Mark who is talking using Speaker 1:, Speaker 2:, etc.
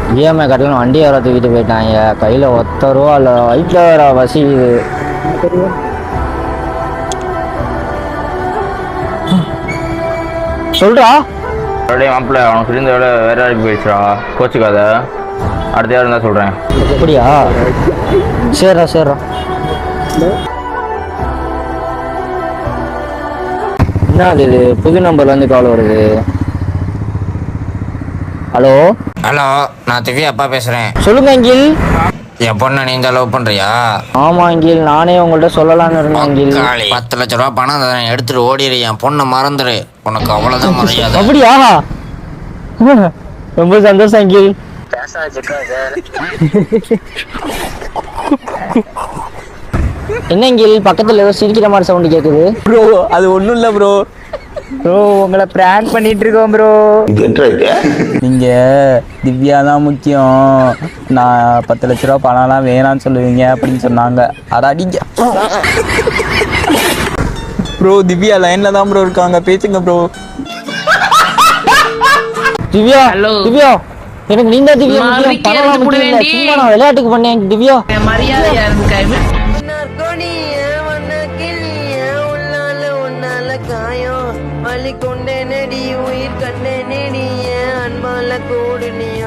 Speaker 1: EMI கட்டலாம் வண்டி வர தூக்கிட்டு போயிட்டாங்க. கையில் ஒத்த ரூபா இல்லை, வயிற்றில் வேற வசிக்குது. சொல்றா
Speaker 2: மறுபடியும் மாப்பிள்ள அவனுக்கு சொல்லியிருந்த வேலை வேற வேலைக்கு போயிடுச்சுடா. கோச்சுக்காத, அடுத்த யாரும் இருந்தால் சொல்கிறேன்.
Speaker 1: அப்படியா? சரிடா சரிடா. என்ன இது புது நம்பர்லேருந்து கால் வருது? ஹலோ
Speaker 3: ஹலோ, நான் திவ்யா அப்பா பேசுகிறேன்.
Speaker 1: சொல்லுங்க அங்கில்.
Speaker 3: என் பொண்ணை நீ தான் லவ் பண்ணுறியா?
Speaker 1: ஆமா அங்கில், நானே உங்கள்கிட்ட சொல்லலாம்னு இருந்தேன் அங்கில்.
Speaker 3: 10 லட்ச ரூபா பணம் தரேன், எடுத்துட்டு ஓடிடு. என் பொண்ணை மறந்துடு, உனக்கு அவ்வளோதான் மரியாதை.
Speaker 1: அப்படியா? ரொம்ப சந்தோஷம் அங்கில். என்ன அங்கில் பக்கத்துல ஏதோ சிரிக்கிற மாதிரி சவுண்ட் கேக்குது?
Speaker 4: ப்ரோ அது ஒன்றும் இல்லை ப்ரோ.
Speaker 1: ப்ரோ உங்களை பிராங்க் பண்ணிட்டு இருக்கோம் ப்ரோ.
Speaker 4: நீங்கள் திவ்யா தான் முக்கியம், நான் 10 லட்ச ரூபா பணம்லாம் வேணான்னு சொல்லுவீங்க அப்படின்னு சொன்னாங்க. அடிங்க ப்ரோ. திவ்யா லைனில் தான் ப்ரோ இருக்காங்க, பேசுங்க ப்ரோ.
Speaker 1: திவ்யா திவ்யா, எனக்கு நீங்க திவ்யா முக்கியம், பணம்லாம் முக்கியம் இல்ல. சும்மா நான் விளையாட்டுக்கு பண்ணேன் திவ்யா.
Speaker 5: மரியாதையா இருக்கு. வலி கொண்டே நெடி உயிர் கண்டே நெடிய அன்பால கூடு நீ